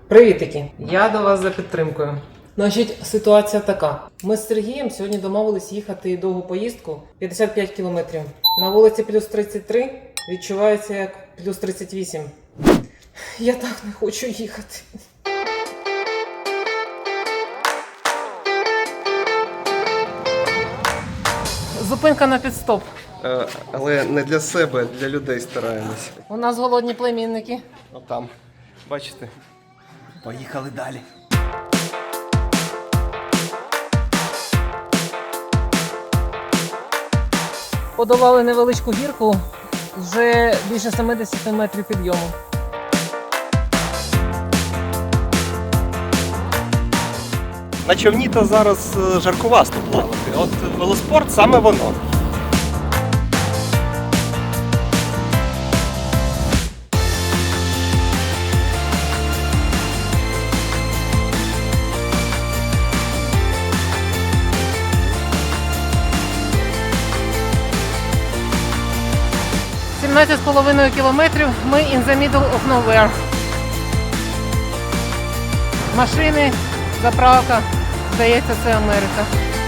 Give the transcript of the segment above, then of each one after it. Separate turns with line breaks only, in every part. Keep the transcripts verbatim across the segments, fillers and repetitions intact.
Привітики! Я до вас за підтримкою. Значить, ситуація така. Ми з Сергієм сьогодні домовились їхати довгу поїздку п'ятдесят п'ять кілометрів. На вулиці плюс тридцять три, відчувається як плюс тридцять вісім. Я так не хочу їхати. Зупинка на підстоп.
Е, але не для себе, для людей стараємось.
У нас голодні племінники.
Отам. Бачите? Поїхали далі.
Подолали невеличку гірку, вже більше сімдесят метрів підйому.
На човні то зараз жаркувасто плавати. От велоспорт саме воно.
сімнадцять з половиною кілометрів ми in the middle of nowhere. Машини, заправка, здається, це Америка.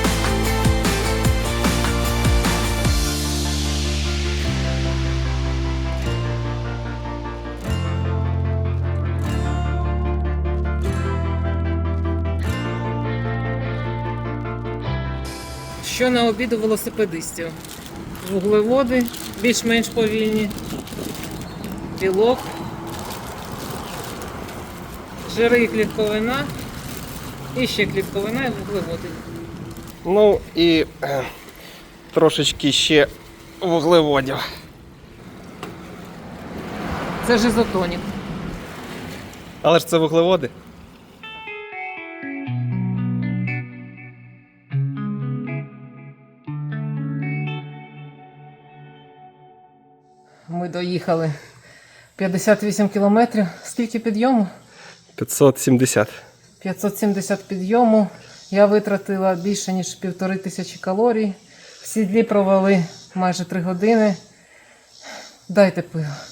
Що на обід у велосипедистів? Вуглеводи більш-менш повільні, білок, жири і клітковина, і ще клітковина і вуглеводи.
Ну і е, трошечки ще вуглеводів.
Це ж ізотонік.
Але ж це вуглеводи.
Ми доїхали п'ятдесят вісім кілометрів. Скільки підйому?
п'ятсот сімдесят.
п'ятсот сімдесят підйому. Я витратила більше, ніж півтори тисячі калорій. В сідлі провели майже три години. Дайте пиво.